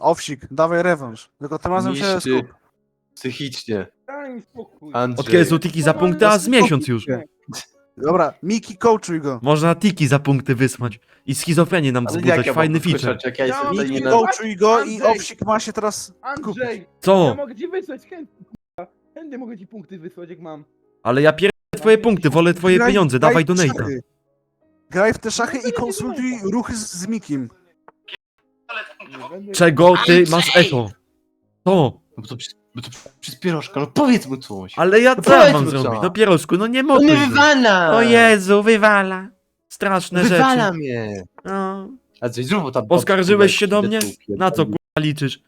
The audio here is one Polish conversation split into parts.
Owsik, dawaj rewanż. Tylko tym razem się Niszczy skup. psychicznie. Daj mi spokój. Od Andrzej. kiedy są tiki za punkty, a z miesiąc już. Dobra, Miki, coachuj go. Można tiki za punkty wysłać. I schizofrenię nam Ale wzbudzać, jak ja fajny mam feature. wykluczać, jak ja jestem Ja tutaj mam nie Miki, na... coachuj go i Andrzej. Owsik ma się teraz skupić. Andrzej, ja Co? mogę ci wysłać chętnie, kurwa. Chętnie mogę ci punkty wysłać, jak mam. Ale ja pierdolę twoje punkty, wolę twoje Graj- pieniądze, graj dawaj w do Nate'a. szachy. Graj w te szachy i konsultuj ruchy z Mikim. Nie będę- Czego ty masz echo? To. No bo to przez pierożka, no powiedz mu coś. Ale ja No co powiedz mam mu zrobić? co. No pierożku, no nie On mogę. mnie wywala! O Jezu, wywala. Straszne Wywala rzeczy. mnie! No. A coś zrób tam... Poskarżyłeś się do mnie? Na co kurwa liczysz?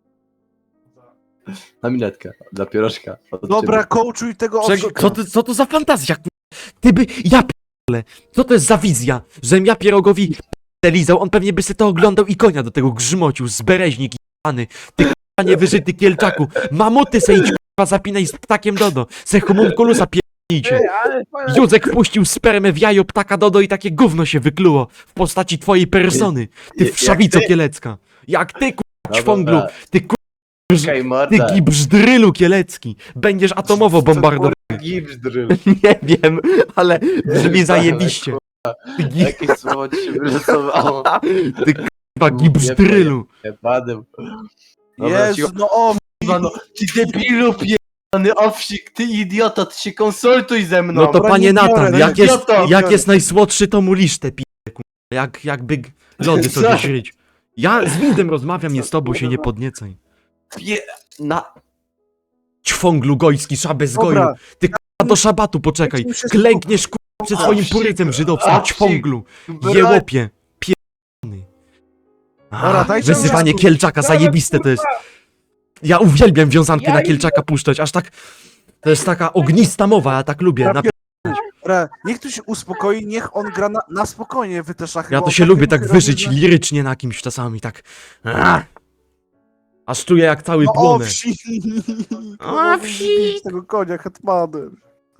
Na minetkę, dla pierożka. Od Dobra, ciebie. coachuj tego Czego, Owsika. co to za fantazja, kurwa? Ty by... Ja p***le. Co to jest za wizja? Żem ja pierogowi p***le lizał, on pewnie by se to oglądał i konia do tego grzmocił, zbereźnik jebany. Ty kurwa niewyżyty kielczaku. Mamuty se idź kurwa zapinaj z ptakiem Dodo. Se homunculusa pierdolnijcie. Ej, ale twoja... Józek wpuścił spermę w jajo ptaka Dodo i takie gówno się wykluło w postaci twojej persony. Ty Jak wszawico ty? kielecka. Jak ty kurwa Dobra. ćwąglu. Ty kurwa... Okej, Ty morda. gibzdrylu kielecki. Będziesz atomowo bombardowany. Gibbs drill. Nie wiem, ale brzmi zajebiście. Ty, Jakie słowo ci się wylosowało? ty k***a gibzdrylu. Padem. Dobra, Jezu, cicho. no o, Kurwa, no, ty debilu pierdolony owsik, ty idiota, ty się konsultuj ze mną. No to dobra, panie nie biorę, Natan, no jak nie jest, biorę. jak jest najsłodszy, to mu lisztę pije, kurwa. Jakby lody sobie Co? śryć. Ja z Windem rozmawiam, nie z tobą, się nie podniecaj. Pie... Na... Ćwąglu gojski, szabę z goju. dobra. Ty k***a do szabatu poczekaj. Weźmy się Klękniesz k***a przed swoim Owsik, purycem żydowskim, owsik. ćwąglu. Bra- Jełopie. Pierdolony. Dobra, dajcie mi Wyzywanie się Kielczaka, zajebiste to jest. Ja uwielbiam wiązankę na Kielczaka puszczać, aż tak... To jest taka ognista mowa, ja tak lubię. Dobra, niech tu się uspokoi, niech on gra na spokojnie w te szachy. Ja bo to się tak lubię jak tak robi, wyżyć że- lirycznie na kimś czasami, tak. Aż czuję jak cały No płonę. Owsik! Owsik! Bić tego konia hetmanem.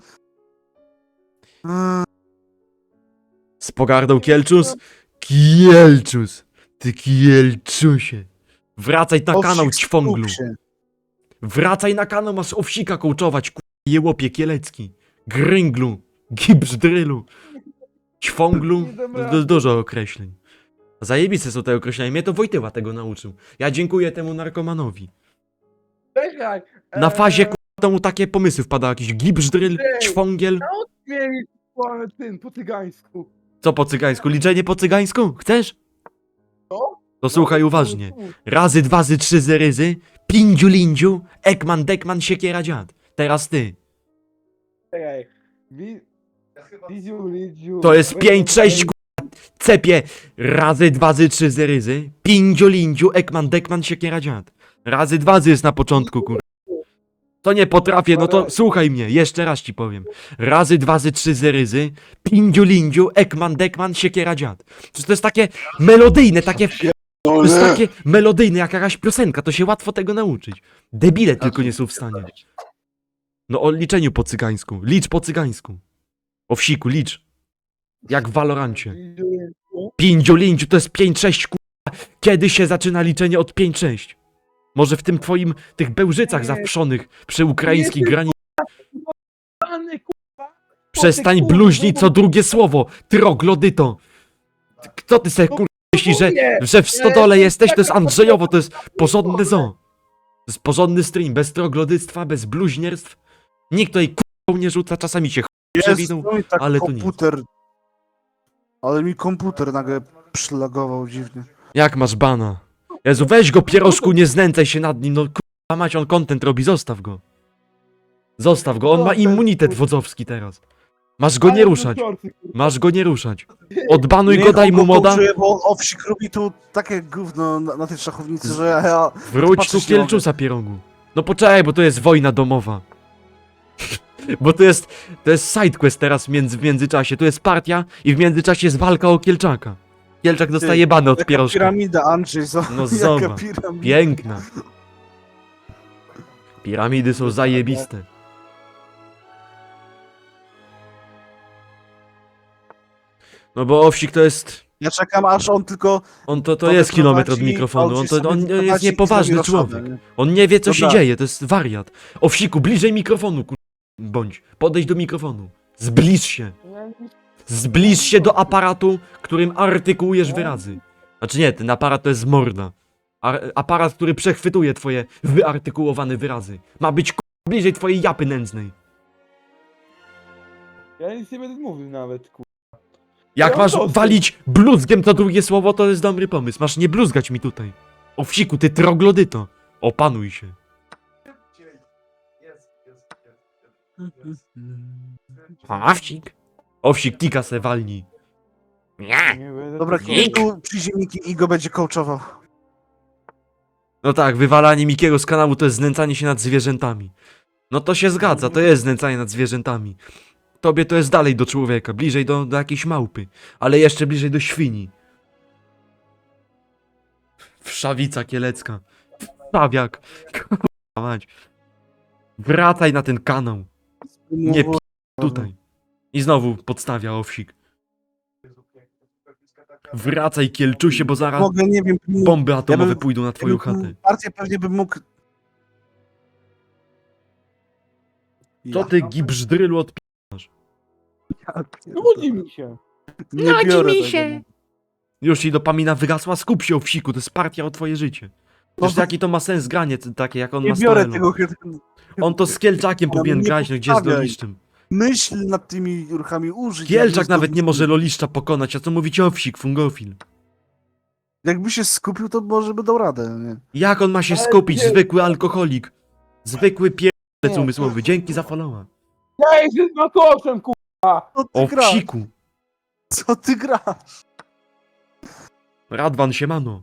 Z pogardą Kielczus? Kielczus! Ty Kielczusie! Wracaj na kanał, Owsik, ćwąglu! skup się. Wracaj na kanał, masz owsika kołczować, jełopie kielecki! Grynglu! Gibzdrylu! Ćwąglu! Dużo określeń. Zajebiste są te określenia, mnie to Wojtyła tego nauczył. Ja dziękuję temu narkomanowi. Czekaj. Na fazie to mu takie pomysły wpadały, jakiś gibzdryl, Ej. ćwągiel. Mieli po cygańsku. Co po cygańsku? Liczenie po cygańsku? Chcesz? Co? To słuchaj uważnie. Razy, dwazy, trzy zeryzy, pindziu, lindziu, ekman, dekman, siekiera, dziad. Teraz ty. Czekaj. Lidziu, lidziu. To jest 5, 6, cepie. Razy, dwazy, trzy zeryzy, pindziu, lindziu, ekman, dekman, siekiera, dziad. Razy, dwazy jest na początku, kur... To nie potrafię, no to słuchaj mnie, jeszcze raz ci powiem. Razy, dwazy, trzy zeryzy, pindziu, lindziu, ekman, dekman, siekiera, dziad. To jest takie melodyjne, takie... To jest takie melodyjne, jak jakaś piosenka, to się łatwo tego nauczyć. Debile tylko nie są w stanie. No o liczeniu po cygańsku, licz po cygańsku. O wsiku, licz. Jak w Valorancie. Pindziu, lindziu, to jest 5-6, kurwa. Kiedy się zaczyna liczenie od 5-6? Może w tym twoim, tych bełżycach zawszonych przy ukraińskiej granicy. Pany, Przestań bluźnić co drugie słowo, troglodyto. Kto ty se kurwa myślisz, że w stodole jesteś? To jest Andrzejowo, to jest porządne zoo. To jest porządny stream, bez troglodyctwa, bez bluźnierstw. Nikt tutaj kurwa nie rzuca, czasami się przewinął, Jezu, no i tak ale to nic. komputer. Ale mi komputer nagle przylagował dziwnie. Jak masz bana? Jezu, weź go pierożku, nie znęcaj się nad nim, no kurwa mać, on content robi, zostaw go. Zostaw go, on ma immunitet wodzowski teraz. Masz go nie ruszać, masz go nie ruszać. Odbanuj go, Niech daj on mu moda, coachuje, bo Owsik robi tu takie gówno na tej szachownicy, że ja... wróć tu patrzeć nie mogę. Kielczusa pierogu. No poczekaj, bo to jest wojna domowa. Bo to jest sidequest teraz w międzyczasie, tu jest partia i w międzyczasie jest walka o Kielczaka. Kielczak dostaje bany od Jaka pierożka. piramida, Andrzej, No jaka zobacz, piramida. piękna. Piramidy są zajebiste. No bo Owsik to jest Ja czekam, aż on tylko... On to to jest kilometr od wyprowadzi, mikrofonu, gdzieś sobie on jest wyprowadzi i niepoważny zrobi człowiek. roszady, nie? On nie wie co się Dobra. dzieje, to jest wariat. Owsiku, bliżej mikrofonu, bądź. Podejdź do mikrofonu. Zbliż się. Zbliż się do aparatu, którym artykułujesz wyrazy. Znaczy nie, ten aparat to jest morda. Aparat, który przechwytuje twoje wyartykułowane wyrazy. Ma być bliżej twojej japy nędznej. Ja nic nie będę mówił nawet, Jak Ja masz to- walić bluzgiem to drugie słowo, to jest dobry pomysł. Masz nie bluzgać mi tutaj. Owsiku, ty troglodyto. Opanuj się. Owsik. Owsik, tika se walnij. Nie. Nie będę Dobra, tu- kiedy tu przyjdzie Miki i go będzie coachował? No tak, wywalanie Mikiego z kanału to jest znęcanie się nad zwierzętami. No to się zgadza, to jest znęcanie nad zwierzętami. Tobie to jest dalej do człowieka, bliżej do jakiejś małpy, ale jeszcze bliżej do świni. Wszawica kielecka. Wszawiak. Kurwa mać. Wracaj na ten kanał. Nie tutaj. I znowu podstawia owsik. Wracaj kielczusie, bo zaraz Mogę, nie wiem... bomby atomowe bym- pójdą na twoją chatę. Partię pewnie bym mógł... Co ty gibzdrylu od Nudzi mi się. Nie biorę tego. Już ci dopamina wygasła, skup się owsiku, to jest partia o twoje życie. Przecież No, jaki to ma sens granie takie jak on Nie ma biorę style. tego... On to z Kielczakiem Ale powinien nie grać, no gdzie z podstawiaj. Loliszczem. Myśl nad tymi ruchami, użyć. Kielczak nawet nie może Loliszcza pokonać, a co mówić owsik, fungofil. Jakby się skupił, to może by dał radę, nie? Jak on ma się Ale skupić, nie. zwykły alkoholik. Zwykły pierdolec Nie. umysłowy, dzięki za followa. Ja jestem smakoszem, Co ty grasz? Owsiku, Co ty grasz? Radwan siemano.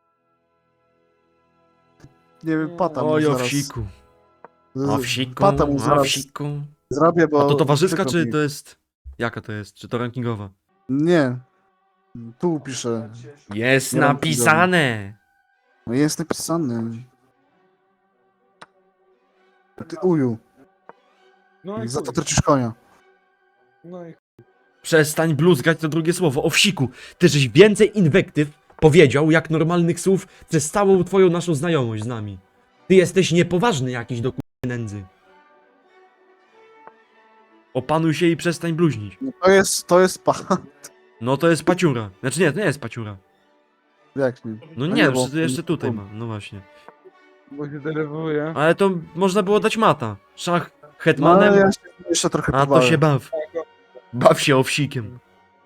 Nie wiem, pata mu Oj zaraz... owsiku, z- owsiku, Pata mu zaraz owsiku. zrobię, bo... A to towarzyska przykro czy mi. to jest... Jaka to jest? Czy to rankingowa? Nie. Tu piszę. Jest Nie napisane. No jest napisany. Ty uju. No i Za to chuj. tracisz konia. No i Przestań bluzgać to drugie słowo. Owsiku, ty żeś więcej inwektyw powiedział, jak normalnych słów przez całą twoją naszą znajomość z nami. Ty jesteś niepoważny jakiś do nędzy. Opanuj się i przestań bluźnić. No to jest No to jest paciura. Znaczy nie, to nie jest paciura. Jak nie? No A nie, nie, bo- jeszcze tutaj ma. No właśnie. bo się denerwuję. Ale to można było dać mata. Szach No, hetmanem, ale ja się jeszcze trochę a to pobałem. się baw. Baw się owsikiem.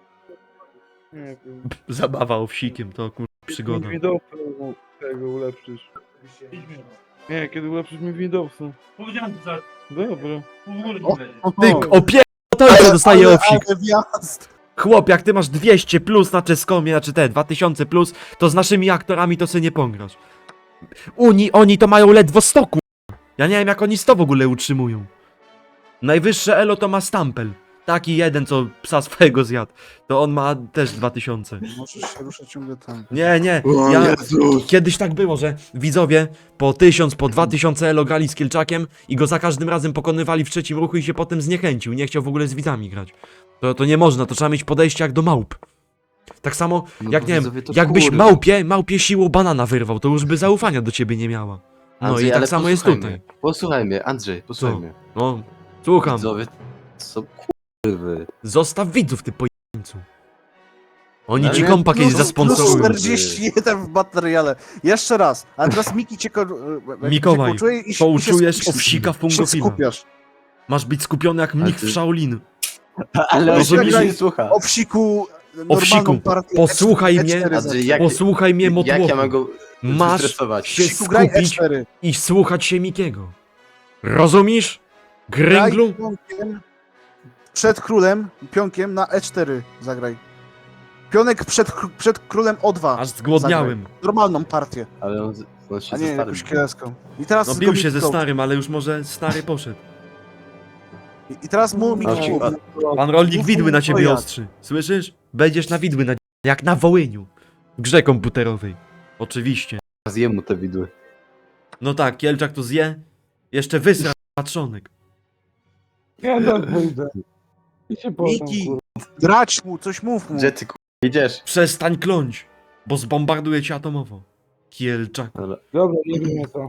Nie wiem. Zabawa owsikiem, to kur... przygoda. Mi Windowsa tego ulepszysz. Nie, kiedy ulepszysz mi Windowsa. Powiedziałem to za Dobra. pół godziny O, będzie. Ty, to co dostaje owsik. Ale wjazd! Chłop, jak ty masz 200 plus na czeskomie, znaczy te 2000 plus, to z naszymi aktorami to sobie nie pograsz. Oni to mają ledwo 100 ku... Ja nie wiem jak oni 100 w ogóle utrzymują. Najwyższe elo to ma Stampel. Taki jeden, co psa swojego zjadł. To on ma też 2000. Możesz się ruszać ciągle tam. Nie, ja... Kiedyś tak było, że widzowie po 1000, po 2000 elo grali z Kielczakiem i go za każdym razem pokonywali w trzecim ruchu i się potem zniechęcił. Nie chciał w ogóle z widzami grać. To nie można, to trzeba mieć podejście jak do małp. Tak samo, jak nie wiem, jakbyś małpie siłą banana wyrwał, to już by zaufania do ciebie nie miała. No Andrzej, i tak ale samo jest posłuchaj tutaj. mnie. Posłuchaj mnie, Andrzej, posłuchaj Co? mnie. No, słucham. Widzowie są kurwy. Zostaw widzów, ty pojeńcu. Oni Ale ci nie, kompa kiedyś plus zasponsorują. 41 w materiale. Jeszcze raz. A teraz Miki cię Mikołaj, poczuje i pouczujesz skupisz. owsika się fungofila. skupiasz. Masz być skupiony jak mnich ty- w Shaolin. Ale on Rozumiesz? się nie słucha. Owsiku, Owsiku, normalną partię. posłuchaj E4 mnie. zagraj. Andrzej, jak, Posłuchaj mnie, jak motłochu. ja mam go Masz zestresować? się Owsiku, graj skupić E4. i słuchać się Mikiego. Rozumiesz? Graj Gręglu? pionkiem przed królem, pionkiem na E4 zagraj. Pionek przed królem O2. Aż zgłodniałem. Normalną partię, Ale on się a nie ze starym. jakąś kielecką. I teraz No go bił się Miki ze coach. starym, ale już może stary poszedł. I teraz mu Miki Owsiku, coach. Pan rolnik widły na ciebie Pojad. ostrzy. Słyszysz? Będziesz na widły jak na Wołyniu. W grze komputerowej. Oczywiście. Zjem mu te widły. No tak, Kielczak to zje. Jeszcze wysra patrzonek. Ja tak wyjdę. I się potem, Miki, kurwa. grać mu, coś mów mu. Gdzie ty Idziesz. Przestań kląć, bo zbombarduję cię atomowo. Kielczak. Dobra, nie wiem co.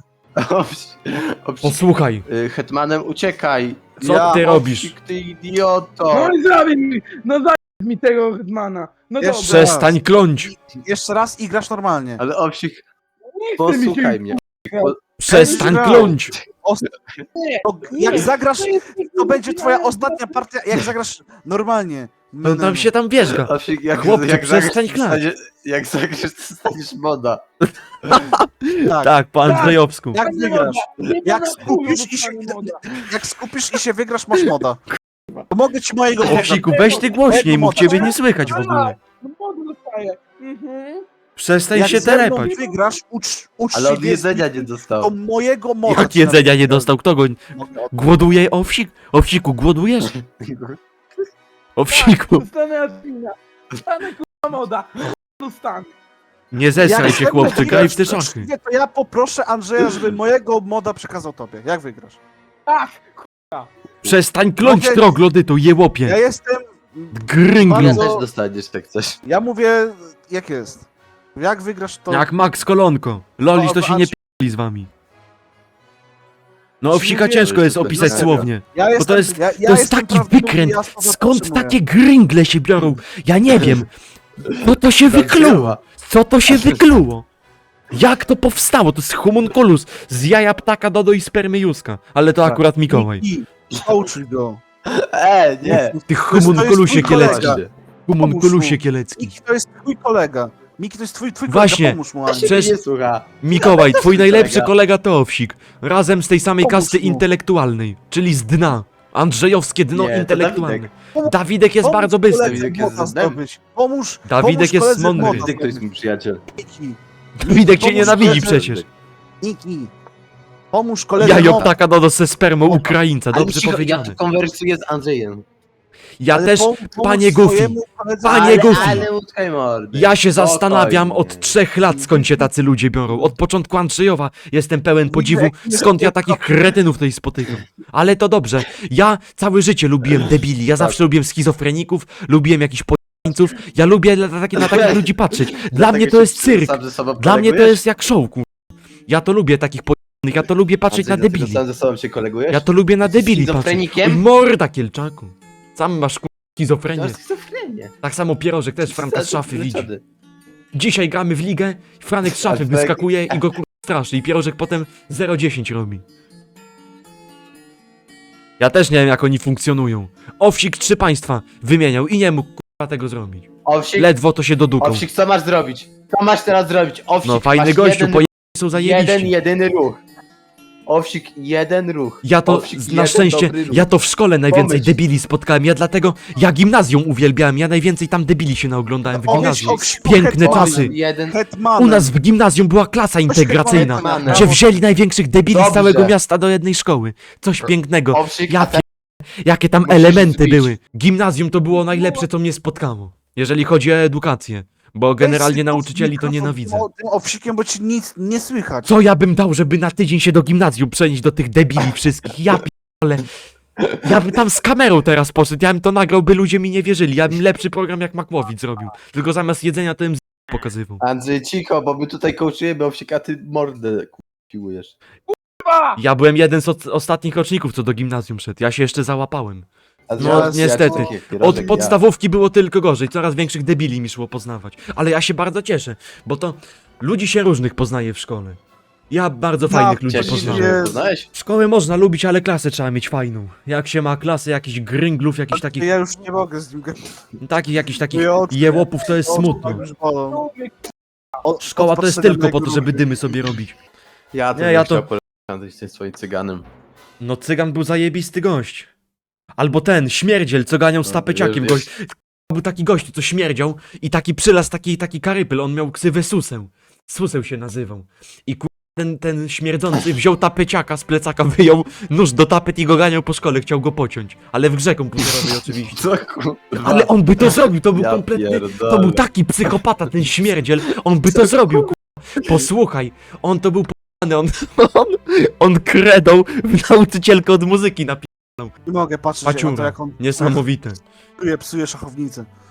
Posłuchaj, Hetmanem uciekaj. Co ty robisz? Owsik, ty idioto. No i zabij mi tego Hetmana. No Jeszcze dobra. przestań kląć. Jeszcze raz i grasz normalnie. Ale Owsik, Nie chce mi się... posłuchaj mnie. Przestań kląć. To jak zagrasz, to będzie twoja ostatnia partia, jak zagrasz normalnie. No tam się tam wierzga. Owsik, Chłopcze, przestań klać. Jak zagrasz, to staniesz moda. Tak. Tak, po Andrzejowsku. Jak wygrasz? Jak Jak skupisz i się wygrasz, masz moda. Pomogę ci mojego moda. Owsiku, weź ty głośniej, mów, ciebie nie słychać w ogóle. No modę dostaję. Przestań Jak się ze mną telepać. wygrasz, ucz Ale się od jedzenia nie do dostał. mojego moda. Jak jedzenia nie dostał, kto go... Mogę oddać. Głoduje Owsik? Owsiku, głodujesz? Owsiku, Dostanę admina. Dostanę kurwa moda. Dostanę. nie zesraj Jak się ze mną chłopcze, graj w te wygrasz, szachy. to ja poproszę Andrzeja, żeby mojego moda przekazał tobie. Jak wygrasz? Tak. Przestań kląć Mogę- troglodyto, Ja jełopie. jestem... Grynglu. Ja Bardzo- też dostaniesz jak coś. Ja mówię, jak jest. Jak wygrasz, to... Jak Max Kolonko. Loliś to się nie p***li z wami. No Owsika Mówię, ciężko jest że to opisać jest- słownie. Ja jestem, to jest- ja To jest jestem taki prawdziwy, wykręt. ja słowa Skąd podtrzymuję. takie gringle się biorą? Ja nie wiem. Co to się wykluło? Co to się wykluło? Jak to powstało? To jest homunculus z jaja ptaka Dodo i spermy Józka. Ale to Tak. akurat Mikołaj. I poucz go. Nie. Ty To jest homunculusie twój kolega. kielecki. Homunculusie kielecki. Miki to jest twój kolega. Miki to jest twój Właśnie. kolega, pomóż mu, Ani. Przecież- Nie słucha. Mikołaj, twój najlepszy kolega. kolega to Owsik. Razem z tej samej Pomóż kasty mu. intelektualnej, czyli z dna. Andrzejowskie dno Nie, to intelektualne. Dawidek. Dawidek jest Pomóż bardzo bystry. koledze Dawidek jest moda z dnem. zdobyć. Pomóż Dawidek jest koledze mądry. moda Ty, kto jest zdobyć. mój przyjaciel. Miki, Dawidek cię pomóż nienawidzi koledze- przecież. Miki. Pomóż koledze Jajo moda. ptaka Dodo ze spermą Ukraińca, Ale dobrze cicho, ja powiedziane. tu konwersuję z Andrzejem. Ja Ale też, pomóż panie Goofy, swojemu koledze- Panie Goofy. Ale utkaj mordy. ja się zastanawiam Spokojnie. od 3 lat, skąd się tacy ludzie biorą. Od początku Andrzejowa jestem pełen podziwu, nie skąd ja wiem, takich kretynów tutaj spotykam. Ale to dobrze, ja całe życie lubiłem debili, ja zawsze lubiłem schizofreników, lubiłem jakichś pojeńców, ja lubię na takich ludzi patrzeć. Dla Dlatego mnie to się jest cyrk, sam ze sobą dla mnie to kolegujesz? jest jak show, kur... Ja to lubię takich pojeńnych, ja to lubię patrzeć na Andrzej, dlatego debili. sam ze sobą się kolegujesz? Ja to lubię na Jesteś debili patrzeć. schizofrenikiem? Oj, morda, Kielczaku. Sam masz kur... To schizofrenię. jest schizofrenię. Tak samo Pierożek też Franka z szafy widzi. Wyleczony. Dzisiaj gramy w ligę, Franek z szafy Ale wyskakuje i go kur... straszy i Pierożek potem 0-10 robi. Ja też nie wiem jak oni funkcjonują. Owsik 3 państwa wymieniał i nie mógł kurwa tego zrobić. Owsik, Ledwo to się dodukał. Owsik, co masz zrobić? Co masz teraz zrobić? Owsik, No fajny masz gościu, jeden, po są zajebiści. jedyny ruch. Owsik, jeden ruch. Ja to, Owsik, na jeden szczęście, dobry ruch. ja to w szkole najwięcej Pomyśl. debili spotkałem, ja dlatego, ja gimnazjum uwielbiałem, ja najwięcej tam debili się naoglądałem w Powiedz gimnazjum. Owsiku Piękne hetmanem. czasy. Jeden. Hetmanem. U nas w gimnazjum była klasa integracyjna, hetmanem. gdzie wzięli największych debili z Dobrze. całego miasta do jednej szkoły. Coś pięknego. Owsik, Ja a te- Jakie tam Musisz elementy zbić. były. Gimnazjum to było najlepsze, co mnie spotkało. Jeżeli chodzi o edukację. Bo generalnie Weź nauczycieli to mikrofon nienawidzę. Tym owsikiem, bo ci nic nie słychać. Co ja bym dał, żeby na tydzień się do gimnazjum przenieść do tych debili wszystkich? Ja ale ja bym tam z kamerą teraz poszedł, ja bym to nagrał, by ludzie mi nie wierzyli. Ja bym lepszy program jak Makłowicz zrobił. Tylko zamiast jedzenia to bym pokazywał. Andrzej, cicho, bo my tutaj kołczujemy Owsika, ty mordę piłujesz. Ja byłem jeden z ostatnich roczników, co do gimnazjum szedł. Ja się jeszcze załapałem. No, niestety. Od podstawówki było tylko gorzej, coraz większych debili mi szło poznawać. Ale ja się bardzo cieszę, bo to ludzi się różnych poznaje w szkole. Ja bardzo fajnych ludzi Cieszę się, poznałem. że poznałeś? Szkołę można lubić, ale klasę trzeba mieć fajną. Jak się ma klasę jakichś grynglów, jakichś takich, Ja już nie mogę z nim gadać. jakichś takich Moje oczy- jełopów, to jest Oczy smutno. tak już bolą. Szkoła to jest tylko po to, żeby dymy sobie robić. Ja to Nie, nie, ja to- chciał polecieć Andrzej z tym swoim cyganem. No cygan był zajebisty gość. Albo ten, śmierdziel, co ganiał z No, tapeciakiem, wiesz, gość. Był taki gość, co śmierdział i taki przylas, taki karypyl, on miał ksywę Suseł. Suseł się nazywał. I ten śmierdzący wziął tapeciaka z plecaka, wyjął nóż do tapet i go ganiał po szkole, chciał go pociąć. Ale w grze komputerowej oczywiście. Co kurwa? Ale on by to zrobił, to był Ja kompletny, pierdolę. to był taki psychopata, ten śmierdziel, on by to zrobił, Posłuchaj, on to był on, on kredą w nauczycielkę od muzyki Nie mogę patrzeć na to, Paciura. jak on Niesamowite. psuje szachownicę.